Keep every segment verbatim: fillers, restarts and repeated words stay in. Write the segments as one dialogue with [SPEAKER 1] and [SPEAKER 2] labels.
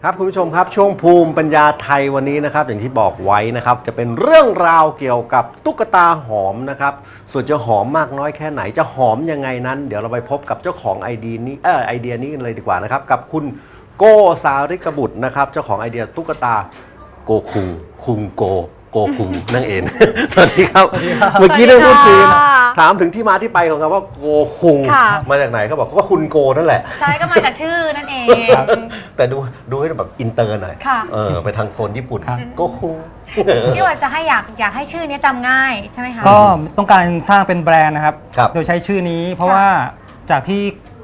[SPEAKER 1] ครับคุณผู้ชมครับช่วงภูมิปัญญาไทยวันนี้นะครับอย่างที่บอกไว้นะครับจะเป็นเรื่องราวเกี่ยวกับตุ๊กตาหอมนะครับส่วนจะหอมมากน้อยแค่ไหนจะหอมยังไงนั้นเดี๋ยวเราไปพบกับเจ้าของไอเดียนี้เออไอเดียนี้กันเลยดีกว่านะครับกับคุณโกสาริกบุตรนะครับเจ้าของไอเดียตุ๊กตาโกคุงคุงโกโกคุงนั่นเอง สวัสดีครับเมื่อกี้ได้พูดคุยถามถึงที่มาที่ไปของคำว่าโกคุงมาจากไหนเขาบอกก็คุณโกนั่นแหละ
[SPEAKER 2] ใช่ก็มาจากชื่อนั่นเอง
[SPEAKER 1] แต่ดูดูให้แบบอินเตอร์หน่อยเออไปทางโซนญี่ปุ่นโกคุง
[SPEAKER 2] ที่ว่าจะให้อยากอยากให้ชื่อนี้จำง่ายใช่ไหมคะ
[SPEAKER 3] ก็ต้องการสร้างเป็นแบรนด์นะครับโดยใช้ชื่อนี้เพราะว่าจากที่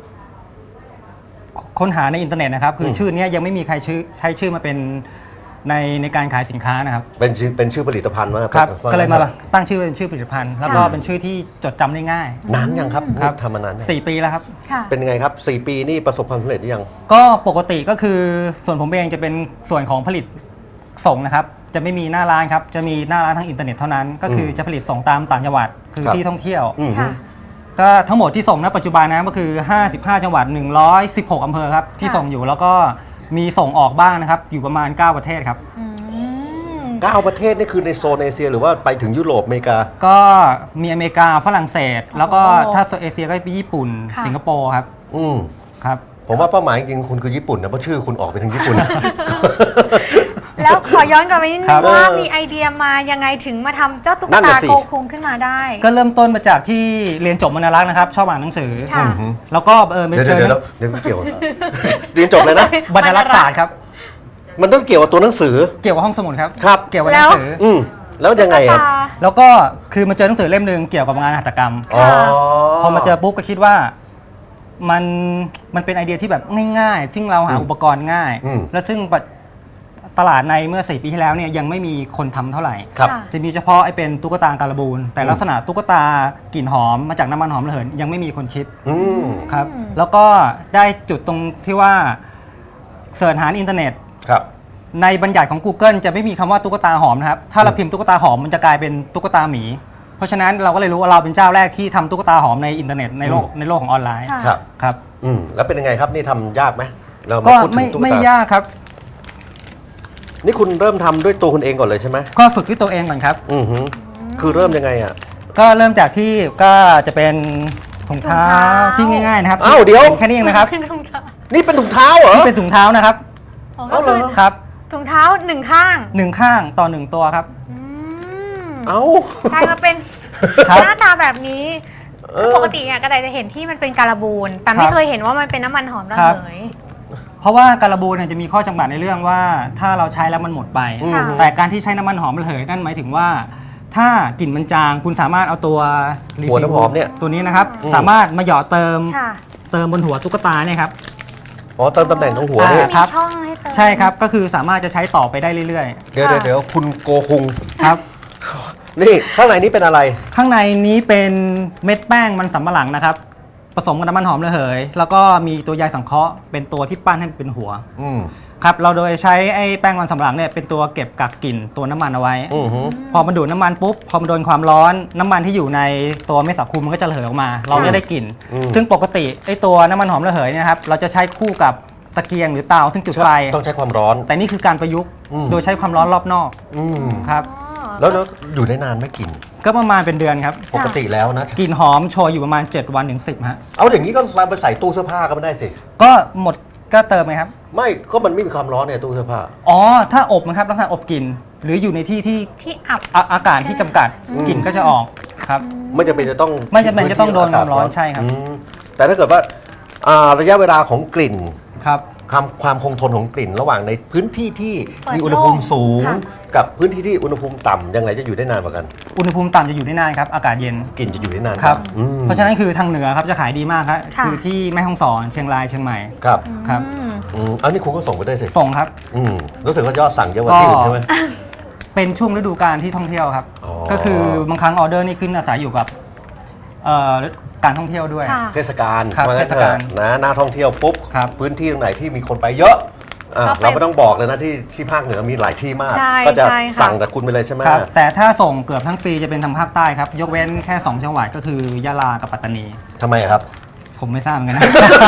[SPEAKER 3] ค้นหาในอินเทอร์เน็ตนะครับคือชื่อนี้ยังไม่มีใครชื่อใช้ชื่อมาเป็นในในการขายสินค้านะครับ
[SPEAKER 1] เป็นชื่อเป็นชื่อผลิตภัณฑ์ว่า
[SPEAKER 3] ครับก็เลยมาตั้งชื่อเป็นชื่อผลิตภัณฑ์แล้วก็เป็นชื่อที่จดจำได้ง่าย
[SPEAKER 1] นานยังครับทำมานาน
[SPEAKER 3] สี่ปีแล้วครับ
[SPEAKER 1] เป็นยังไงครับสี่ปีนี่ประสบความสำเร็จหรือยัง
[SPEAKER 3] ก็ปกติก็คือส่วนผมเองจะเป็นส่วนของผลิตส่งนะครับจะไม่มีหน้าร้านครับจะมีหน้าร้านทางอินเทอร์เน็ตเท่านั้นก็คือจะผลิตส่งตามต่างจังหวัดคือที่ท่องเที่ยวก็ทั้งหมดที่ส่งณปัจจุบันนะก็คือห้าสิบห้าจังหวัดหนึ่งร้อยสิบหกอำเภอครับที่ส่งอยู่แล้วก็มีส่งออกบ้างนะครับอยู่ประมาณเก้าประเทศครับ
[SPEAKER 1] เก้าประเทศนี่คือในโซนเอเชียหรือว่าไปถึงยุโรปอเมริกา
[SPEAKER 3] ก็มีอเมริกาฝรั่งเศสแล้วก็ถ้าโซนเอเชียก็ไปญี่ปุ่นสิงคโปร์ครับ
[SPEAKER 1] อืม
[SPEAKER 3] ครับ
[SPEAKER 1] ผมว่าเป้าหมายจริงๆคุณคือญี่ปุ่นนะเพราะชื่อคุณออกไปทางญี่ปุ่น
[SPEAKER 2] แล้วขอย้อนกลับไปนิดนึงว่ามีไอเดียมายังไงถึงมาทำเจ้าตุ๊กตาโกคุงขึ้นมาได้
[SPEAKER 3] ก็เริ่มต้นมาจากที่เรียนจบมรณรักษ์นะครับชอบอ่านหนังสือแล้วก็เออ
[SPEAKER 1] เดี๋ยวเดี๋ยวเดี๋ยวเกี่ยวเรียนจบเลยนะ
[SPEAKER 3] บรรณรักษ์ศาสตร์ครับ
[SPEAKER 1] มันต้องเกี่ยวกับตัวหนังสือ
[SPEAKER 3] เกี่ยวกับห้องสมุดครับ
[SPEAKER 1] ครับ
[SPEAKER 3] เกี่ยวกับหนังสือ
[SPEAKER 1] อืมแล้วยังไงครับ
[SPEAKER 3] แล้วก็คือมาเจอหนังสือเล่มหนึ่งเกี่ยวกับงานหัตถกรรมพอมาเจอปุ๊บก็คิดว่ามันมันเป็นไอเดียที่แบบง่ายๆซึ่งเราหาอุปกรณ์ง่ายและซึ่งตลาดในเมื่อสี่ปีที่แล้วเนี่ยยังไม่มีคนทำเท่าไหร่จะมีเฉพาะไอเป็นตุ๊กตาการบูนแต่ลักษณะตุ๊กตากลิ่นหอมมาจากน้ำมันหอมระเหยยังไม่มีคนคิดครับแล้วก็ได้จุดตรงที่ว่าเสิร์ชหาอินเทอร์เน็ตในบัญญัติของ Google จะไม่มีคำว่าตุ๊กตาหอมนะครับถ้าเราพิมพ์ตุ๊กตาหอมมันจะกลายเป็นตุ๊กตาหมีเพราะฉะนั้นเราก็เลยรู้ว่าเราเป็นเจ้าแรกที่ทำตุ๊กตาหอมในอินเทอร์เน็ตในโลกในโลกของออนไลน์
[SPEAKER 1] ครับ
[SPEAKER 3] ครับ
[SPEAKER 1] อืมแล้วเป็นยังไงครับนี่ทำยากไหมเรา
[SPEAKER 3] ก็ไม่ไม่ยากครับ
[SPEAKER 1] นี่คุณเริ่มทำด้วยตัวคุณเองก่อนเลยใช่ไหม
[SPEAKER 3] ก็ฝึกด้วยตัวเองก่อนครับ
[SPEAKER 1] อือฮึคือเริ่มยังไงอ่ะ
[SPEAKER 3] ก็เริ่มจากที่ก็จะเป็นถุงเท้าที่ง่ายๆนะครับ
[SPEAKER 1] อ้าวเดี๋ยว
[SPEAKER 3] แค่นี้เองนะครับ
[SPEAKER 1] นี่เป็นถุงเท้าเหรอ
[SPEAKER 3] นี่เป็นถุงเท้านะครับ
[SPEAKER 1] เอ้าเหรอ
[SPEAKER 3] ครับ
[SPEAKER 2] ถุงเท้าหนึ่งข้าง
[SPEAKER 3] หนึ่งข้างต่อหนึ่งตัวครับ
[SPEAKER 1] เอ้าก
[SPEAKER 2] ลายมาเป็นหน้าตาแบบนี้ปกติเนี่ยกระไดจะเห็นที่มันเป็นการบูนแต่ไม่เคยเห็นว่ามันเป็นน้ำมันหอมระเหย
[SPEAKER 3] เพราะว่าการบูนเนี่ยจะมีข้อจำกัดในเรื่องว่าถ้าเราใช้แล้วมันหมดไปแต่การที่ใช้น้ำมันหอมระเหยนั่นหมายถึงว่าถ้ากลิ่นมันจางคุณสามารถเอาตัว
[SPEAKER 1] หัวน้ำหอมเนี่ย
[SPEAKER 3] ตัวนี้นะครับสามารถมาหยอดเติมเติมบนหัวตุ๊กตาเนี่ยครับ
[SPEAKER 1] อ๋อเติมตำแหน่งตรงหัว
[SPEAKER 2] เนี่ยครับ
[SPEAKER 3] ใช่ครับก็คือสามารถจะใช้ต่อไปได้เรื่อย
[SPEAKER 1] ๆเดี๋ยวเดี๋ยวคุณโกคุง
[SPEAKER 3] ครับ
[SPEAKER 1] นี่ข้างในนี้เป็นอะไร
[SPEAKER 3] ข้างในนี้เป็นเม็ดแป้งมันสำปะหลังนะครับผสมกับน้ำมันหอมระเหยแล้วก็มีตัวใยสังเคราะห์เป็นตัวที่ปั้นให้เป็นหัวครับเราโดยใช้ไอ้แป้งมันสำปะหลังเนี่ยเป็นตัวเก็บกักกลิ่นตัวน้ำมันเอาไว้พอมันดูดน้ำมันปุ๊บพอมันโดนความร้อนน้ำมันที่อยู่ในตัวเม็ดสาคูมันก็จะระเหยออกมาเราจะได้กลิ่นซึ่งปกติไอ้ตัวน้ำมันหอมระเหยเนี่ยครับเราจะใช้คู่กับตะเกียงหรือเตาซึ่งจุดไฟ
[SPEAKER 1] ต้องใช้ความร้อน
[SPEAKER 3] แต่นี่คือการประยุกต์โดยใช้ความร้อนรอบนอกครับ
[SPEAKER 1] แล้วแล้วอยู่ได้นานไหมกลิ่น
[SPEAKER 3] ก็ประมาณเป็นเดือนครับ
[SPEAKER 1] ปกติแล้วนะ
[SPEAKER 3] กลิ่นหอมโชยอยู่ประมาณเจ็ดวันถึงสิบฮะ
[SPEAKER 1] เอาอย่างนี้ก็ไปใส่ตู้เสื้อผ้าก็ไม่ได้สิ
[SPEAKER 3] ก็หมดก็เติมไหมครับ
[SPEAKER 1] ไม่ก็มันไม่มีความร้อนเนี่ยตู้เสื้อผ้า
[SPEAKER 3] อ๋อถ้าอบนะครับลักษณะอบกลิ่นหรืออยู่ในที่ที่
[SPEAKER 2] ที่อับ
[SPEAKER 3] อากาศที่จำกัดกลิ่นก็จะออกครับ
[SPEAKER 1] ไม่จำเป็นจะต้อง
[SPEAKER 3] ไม่จำเป็นจะต้องโดนความร้อนใช่ครับ
[SPEAKER 1] แต่ถ้าเกิดว่าระยะเวลาของกลิ่น
[SPEAKER 3] ครับ
[SPEAKER 1] ความความคงทนของกลิ่นระหว่างในพื้นที่ที่มีอุณหภูมิสูงกับพื้นที่ที่อุณหภูมิต่ำยังไงจะอยู่ได้นานกว่ากัน
[SPEAKER 3] อุณหภูมิต่ำจะอยู่ได้นานครับอากาศเย็น
[SPEAKER 1] กลิ่นจะอยู่ได้นาน
[SPEAKER 3] ครับเพราะฉะนั้นคือทางเหนือครับจะขายดีมากครับคือที่แม่ฮ่องสอนเชียงรายเชียงใหม่
[SPEAKER 1] ครับ
[SPEAKER 3] ครับ
[SPEAKER 1] อันนี้คุณก็ส่งไปได้สิ
[SPEAKER 3] ส่งครับ
[SPEAKER 1] รู้สึกว่ายอดสั่งเยอะกว่าที่อื่นใช่ไหม
[SPEAKER 3] เป็นช่วงฤดูกาลที่ท่องเที่ยวครับก็คือบางครั้งออเดอร์นี่ขึ้นอาศัยอยู่กับการท่องเที่ยวด้วย
[SPEAKER 1] เทศกาล
[SPEAKER 3] เทศกาล
[SPEAKER 1] นะหน้าท่องเที่ยวปุ๊บพื้นที่ตรงไหนที่มีคนไปเยอะเราไม่ต้องบอกเลยนะที่ที่ภาคเหนือมีหลายที่มากก็จะสั่งจากคุณไปเลยใช่ไหม
[SPEAKER 3] แต่ถ้าส่งเกือบทั้งปีจะเป็นทางภาคใต้ครับยกเว้นแค่สองจังหวัดก็คือยะลากับปัตตานี
[SPEAKER 1] ทำไมครับ
[SPEAKER 3] เพผมไม่ทราบเหมือนกันนะ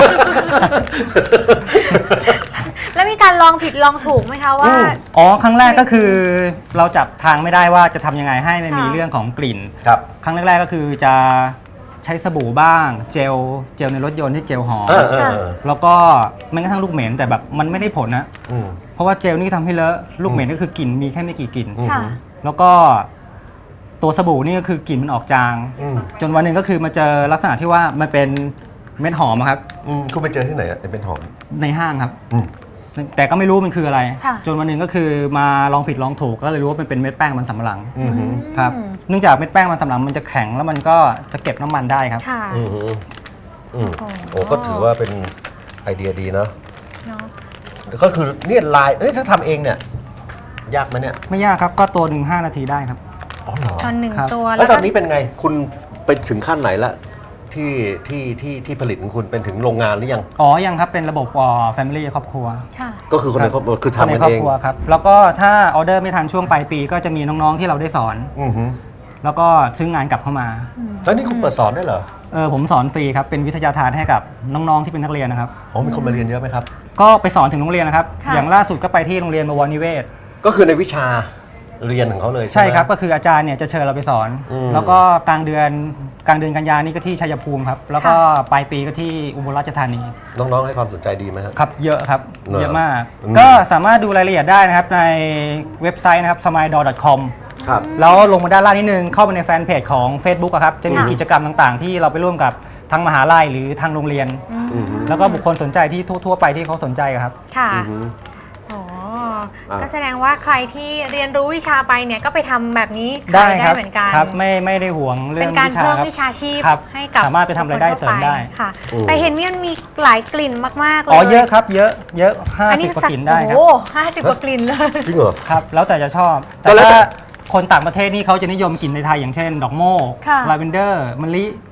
[SPEAKER 2] แล้วมีการลองผิดลองถูกไหมคะว่า
[SPEAKER 3] อ๋อครั้งแรกก็คือเราจับทางไม่ได้ว่าจะทำยังไงให้ไม่มี
[SPEAKER 2] ค่ะ
[SPEAKER 3] เรื่องของกลิ่น
[SPEAKER 1] ครับ
[SPEAKER 3] ครั้งแรกๆก็คือจะใช้สบู่บ้าง เจลเจลในรถยนต์ที่เจลหอม
[SPEAKER 1] เออเออเออ
[SPEAKER 3] แล้วก็แม้กระทั่งลูกเหม็นแต่แบบมันไม่ได้ผลนะ
[SPEAKER 1] อืม
[SPEAKER 3] เพราะว่าเจลนี่ทำให้เลอะลูกเหม็นก็คือกลิ่นมีแค่ไม่กี่กลิ่น
[SPEAKER 1] อืม
[SPEAKER 2] ค่ะ
[SPEAKER 3] แล้วก็ตัวสบู่นี่ก็คือกลิ่นมันออกจาง
[SPEAKER 1] อืม
[SPEAKER 3] จนวันหนึ่งก็คือมาเจอลักษณะที่ว่ามันเป็นเม็ดหอมอะครับ
[SPEAKER 1] อืมคุณไปเจอที่ไหนอะเป็นหอม
[SPEAKER 3] ในห้างครับ
[SPEAKER 1] อืม
[SPEAKER 3] แต่ก็ไม่รู้มันคืออะไร
[SPEAKER 2] ค่ะ
[SPEAKER 3] จนวันหนึ่งก็คือมาลองผิดลองถูกก็เลยรู้ว่ามันเป็นเม็ดแป้งมันสำปะหลัง
[SPEAKER 1] อืม
[SPEAKER 3] ครับ
[SPEAKER 2] อืม
[SPEAKER 3] เนื่องจากเม็ดแป้งมันสำปะหลังมันจะแข็งแล้วมันก็จะเก็บน้ำมันได้ครับ
[SPEAKER 2] ค่ะ
[SPEAKER 1] อืมอืม
[SPEAKER 2] โอ้
[SPEAKER 1] โอ้ก็ถือว่าเป็นไอเดียดีเนาะ
[SPEAKER 2] เนาะ
[SPEAKER 1] ก็คือเนี่ยลายเอ้ยถ้าทำเองเนี่ย ยากไหมเนี่ย
[SPEAKER 3] ไม่ยากครับก็ตัวหนึ่งห้านาทีได้ครับ
[SPEAKER 1] อ๋อเหรอ
[SPEAKER 2] ตอนหนึ่ง
[SPEAKER 3] ครับ
[SPEAKER 2] ตัว
[SPEAKER 1] แล้วต
[SPEAKER 2] ก็
[SPEAKER 1] อนนี้เป็นไงคุณไปถึงขั้นไหนละที่ที่ที่ที่ผลิตของคุณเป็นถึงโรงงานหรือยัง
[SPEAKER 3] อ๋อยังครับเป็นระบบอ่อ family ครอบครัว
[SPEAKER 2] ค่ะ
[SPEAKER 1] ก็คือคนในครอบครัวคือ
[SPEAKER 3] คน
[SPEAKER 1] ทำ
[SPEAKER 3] ใน
[SPEAKER 1] กัน
[SPEAKER 3] ครอ
[SPEAKER 1] เอบ ง
[SPEAKER 3] ครัวครับแล้วก็ถ้าออเดอร์ไม่ทันช่วงปลายปีก็จะมีน้องๆที่เราได้สอน
[SPEAKER 1] อือฮึ
[SPEAKER 3] แล้วก็ซื้องานกลับเข้ามา
[SPEAKER 1] แล้วนี่คุณเปิดสอนได้วยเหรอ
[SPEAKER 3] เออผมสอนฟรีครับเป็นวิทยาทานให้กับน้องๆที่เป็นนักเรียนนะครับ
[SPEAKER 1] อ๋อมีคนมาเรียนเยอะไหมครับ
[SPEAKER 3] ก็ไปสอนถึงโรงเรียนนะครับ
[SPEAKER 2] ค่ะ
[SPEAKER 3] อย่างล่าสุดก็ไปที่โรงเรียนบวรนิเวศ
[SPEAKER 1] ก็คือในวิชาเรียนของเขาเลยใช่
[SPEAKER 3] ใช่
[SPEAKER 1] ไหม
[SPEAKER 3] ครับก็คืออาจารย์เนี่ยจะเชิญเราไปสอน
[SPEAKER 1] อืม
[SPEAKER 3] แล้วก็กลางเดือนกลางเดือนกันยานี่ก็ที่ชัยภูมิครับแล้วก็ปลายปีก็ที่อุบลราชธานี
[SPEAKER 1] น้องๆให้ความสนใจดีไหมครับ
[SPEAKER 3] ครับเยอะครับ
[SPEAKER 1] เหรอ
[SPEAKER 3] เยอะมาก
[SPEAKER 1] อืม
[SPEAKER 3] ก็สามารถดูรายละเอียดได้นะครับในเว็บไซต์นะครับ smile door dot com
[SPEAKER 1] ครับ
[SPEAKER 3] แล้วลงมาด้านล่างนิดนึงเข้าไปในแฟนเพจของ Facebook อะครับจะมี
[SPEAKER 2] ค่ะ
[SPEAKER 3] กิจกรรมต่างๆ ที่เราไปร่วมกับทางมหาลัยหรือทางโรงเรียน
[SPEAKER 1] อือฮึ
[SPEAKER 3] แล้วก็บุคคลสนใจที่ทั่วๆไปที่เขาสนใจอะครับ
[SPEAKER 2] ค่ะ
[SPEAKER 1] อือฮึ
[SPEAKER 2] อ๋อ
[SPEAKER 1] อ่ะ
[SPEAKER 2] ก็แสดงว่าใครที่เรียนรู้วิชาไปเนี่ยก็ไปทำแบบนี้ขายได้
[SPEAKER 3] ครับ
[SPEAKER 2] เหมือนกัน
[SPEAKER 3] ครับไม่ไม่ได้ห่วงเรื่
[SPEAKER 2] เป็
[SPEAKER 3] อง
[SPEAKER 2] นการ
[SPEAKER 3] วิชา
[SPEAKER 2] เพิ่ม
[SPEAKER 3] ครับ
[SPEAKER 2] วิชาชีพ
[SPEAKER 3] ครับ
[SPEAKER 2] ให้กับ
[SPEAKER 3] สามารถไปทำรายได้เสริมได้
[SPEAKER 2] ค่ะ
[SPEAKER 1] อืม
[SPEAKER 2] แต่เห็นมีมันมีหลายกลิ่นมากๆเลย
[SPEAKER 3] อ๋อเยอะครับเยอะเยอะห้า
[SPEAKER 2] อัน
[SPEAKER 3] สิบ
[SPEAKER 2] นี้
[SPEAKER 3] กว่า
[SPEAKER 2] สัก
[SPEAKER 3] กลิ่นได้ครับ
[SPEAKER 2] โอ้ห้าสิบกว่ากลิ่นเลย
[SPEAKER 1] จริงเหรอ
[SPEAKER 3] ครับแล้วแต่จะชอบ
[SPEAKER 1] ก็
[SPEAKER 3] แต่
[SPEAKER 1] แล้วแต่
[SPEAKER 3] ถ้าคนต่างประเทศนี่เขาจะนิยมกลิ่นในไทยอย่างเช่น ดอกโมก
[SPEAKER 2] ค่ะ
[SPEAKER 3] ลาเวนเดอร์มะลิ